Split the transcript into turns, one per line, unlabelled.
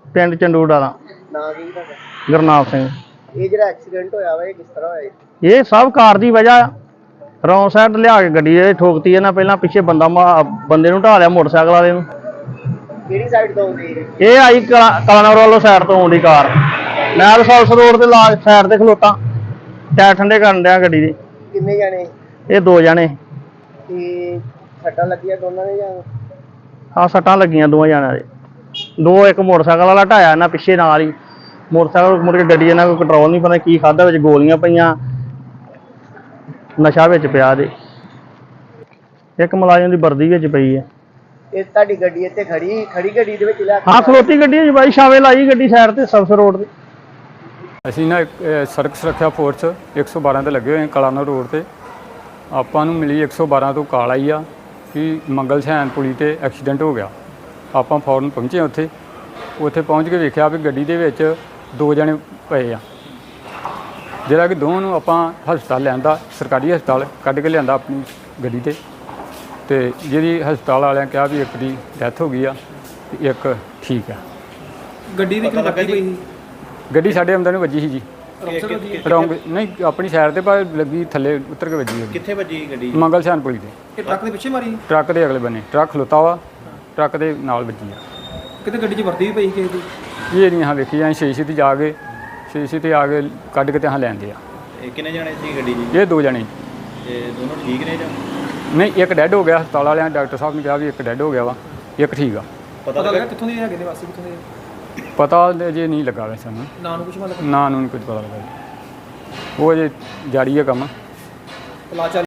ਪਿੰਡ ਚੰਡੂੜਾ ਦਾ।
ਨਾਂ ਕੀ ਤੁਹਾਡਾ?
ਗੁਰਨਾਮ ਸਿੰਘ।
ਇਹ ਜਿਹੜਾ ਐਕਸੀਡੈਂਟ ਹੋਇਆ ਵਾ ਇਹ ਕਿਸ ਤਰ੍ਹਾਂ ਹੋਇਆ?
ਇਹ ਸਭ ਕਾਰ ਦੀ ਵਜ੍ਹਾ। ਰੌਂਗ ਸਾਈਡ ਲਿਆ ਕੇ ਗੱਡੀ ਇਹ ਠੋਕਤੀ ਇਹਨਾਂ। ਪਹਿਲਾਂ ਪਿੱਛੇ ਬੰਦੇ ਨੂੰ ਢਾ ਲਿਆ ਮੋਟਰਸਾਈਕਲ ਵਾਲੇ ਨੂੰ।
ਕਿਹੜੀ ਸਾਈਡ ਤੋਂ ਆਉਂਦੀ
ਇਹ ਆਈ ਕਲਾਨੌਰ ਵੱਲੋਂ ਸਾਈਡ ਤੋਂ ਆਉਂਦੀ ਕਾਰ। ਮੈਂ ਤਾਂ ਸੌਲਸ ਰੋਡ ਤੇ ਸਾਈਡ ਤੇ ਖਲੋਤਾ, ਟਾਇਰ ਠੰਡੇ ਕਰਨ ਡਿਆ ਗੱਡੀ ਦੇ।
ਕਿੰਨੇ ਜਾਣੇ?
ਇਹ 2 ਜਣੇ।
ਤੇ ਸੱਟਾਂ ਲੱਗੀਆਂ ਦੋਨਾਂ ਦੇ ਜਾਂ?
ਹਾਂ, ਸੱਟਾਂ ਲੱਗੀਆਂ 2 ਜਣਿਆਂ ਦੇ। 2 ਇੱਕ ਮੋਟਰਸਾਈਕਲ ਵਾਲਾ ਢਾਇਆ ਇਹਨਾਂ ਪਿੱਛੇ ਨਾਲ ਹੀ। ਮੋਟਰਸਾਈਕਲ ਮੁੜ ਕੇ ਗੱਡੀ ਇਹਨਾਂ ਕੋਈ ਕੰਟਰੋਲ ਨਹੀਂ, ਪਤਾ ਕੀ ਖਾਧਾ, ਵਿੱਚ ਗੋਲੀਆਂ ਪਈਆਂ, ਨਸ਼ਾ ਵਿੱਚ ਪਿਆ ਦੇ। ਇੱਕ ਮੁਲਾਜ਼ਮ ਦੀ ਵਰਦੀ ਵਿੱਚ ਪਈ ਹੈ।
ਇਹ ਤੁਹਾਡੀ ਗੱਡੀ ਇੱਥੇ ਖੜੀ ਗੱਡੀ ਦੇ ਵਿੱਚ ਲਿਆ?
ਹਾਂ, ਖਲੋਤੀ ਗੱਡੀ ਹੈ ਬਾਈ, ਛਾਵੇਂ ਲਾਈ ਗੱਡੀ ਸਾਈਡ ਤੇ ਸਬਸ ਰੋਡ ਤੇ।
ਅਸੀਂ ਨਾ ਸੜਕ ਸੁਰੱਖਿਆ ਫੋਰਸ 112 ਤੇ ਲੱਗੇ ਹੋਏ ਕਲਾਨੌਰ ਰੋਡ ਤੇ। ਆਪਾਂ ਨੂੰ ਮਿਲੀ 112 ਤੋਂ ਕਾਲ ਆਈ ਆ ਕਿ ਮੰਗਲ ਸੈਨ ਪੁਲੀ ਤੇ ਐਕਸੀਡੈਂਟ ਹੋ ਗਿਆ। ਆਪਾਂ ਫੌਰਨ ਪਹੁੰਚੇ ਉੱਥੇ ਪਹੁੰਚ ਕੇ ਵੇਖਿਆ ਵੀ ਗੱਡੀ ਦੇ ਵਿੱਚ 2 ਜਣੇ ਪਏ ਆ, ਜਿਹੜਾ ਕਿ ਦੋਵਾਂ ਨੂੰ ਆਪਾਂ ਹਸਪਤਾਲ ਲਿਆਂਦਾ, ਸਰਕਾਰੀ ਹਸਪਤਾਲ ਕੱਢ ਕੇ ਲਿਆਂਦਾ ਆਪਣੀ ਗੱਡੀ ਤੇ ਜਿਹਦੀ ਹਸਪਤਾਲ ਵਾਲਿਆਂ ਕਿਹਾ ਵੀ ਇੱਕ ਦੀ ਡੈਥ ਹੋ ਗਈ ਆ ਤੇ ਇੱਕ ਠੀਕ ਆ।
ਗੱਡੀ ਦੀ ਕਿੰਨੀ ਲੱਗੀ ਪਈ?
ਗੱਡੀ ਸਾਡੇ ਅੰਦਰ ਨੂੰ ਵੱਜੀ ਸੀ ਜੀ। ਰੌਂਗ ਨਹੀਂ, ਆਪਣੀ ਸਾਈਡ ਤੇ ਪਰ ਲੱਗੀ ਥੱਲੇ ਉਤਰ ਕੇ ਵੱਜੀ।
ਕਿੱਥੇ ਵੱਜੀ ਗੱਡੀ?
ਮੰਗਲ ਸੈਨ ਪੁਲੀ ਤੇ।
ਇਹ ਟਰੱਕ ਦੇ ਪਿੱਛੇ ਮਾਰੀ?
ਟਰੱਕ ਦੇ ਅਗਲੇ ਬੰਨੇ ਟਰੱਕ ਖਲੋਤਾ ਵਾ, ਟਰੱਕ ਦੇ ਨਾਲ ਵੱਜੀ ਆ।
ਕਿਤੇ ਗੱਡੀ 'ਚ ਵਰਦੀ ਵੀ ਪਈ ਕਿਸੇ ਦੀ?
ਇਹ ਨਹੀਂ ਹਾਂ ਵੇਖੀ ਜਾਂ ਸ਼ੀਸ਼ੇ ਤੇ ਜਾ ਕੇ ਤੇ ਆ ਕੇ ਕੱਢ ਕੇ ਤੇ ਹਾਂ ਲੈਂਦੇ ਆ।
ਇਹ ਕਿੰਨੇ ਜਾਣੇ ਸੀ ਗੱਡੀ 'ਚ?
ਇਹ 2 ਜਣੇ।
ਤੇ ਦੋਨੋਂ ਠੀਕ ਨੇ ਜਾਂ?
ਨਹੀਂ, ਇੱਕ ਡੈੱਡ ਹੋ ਗਿਆ। ਹਸਪਤਾਲ ਵਾਲਿਆਂ ਡਾਕਟਰ ਸਾਹਿਬ ਨੇ ਕਿਹਾ ਵੀ ਇੱਕ ਡੈੱਡ ਹੋ ਗਿਆ ਵਾ, ਇੱਕ ਠੀਕ ਆ।
ਪਤਾ ਲੱਗਾ ਕਿੱਥੋਂ ਦੇ ਹੈਗੇ ਨੇ, ਵਾਸੀ ਕਿੱਥੋਂ ਦੇ?
ਪਤਾ ਅਜੇ ਨਹੀਂ ਲੱਗਾ ਵੈਸੇ ਸਾਨੂੰ।
ਨਾਂ ਨੂੰ ਕੁਝ ਮਤਲਬ?
ਨਾਂ ਨੂੰ ਨਹੀਂ ਕੁਝ ਪਤਾ ਲੱਗਾ ਜੀ। ਉਹ ਅਜੇ ਜਾਰੀ ਹੈ ਕੰਮ।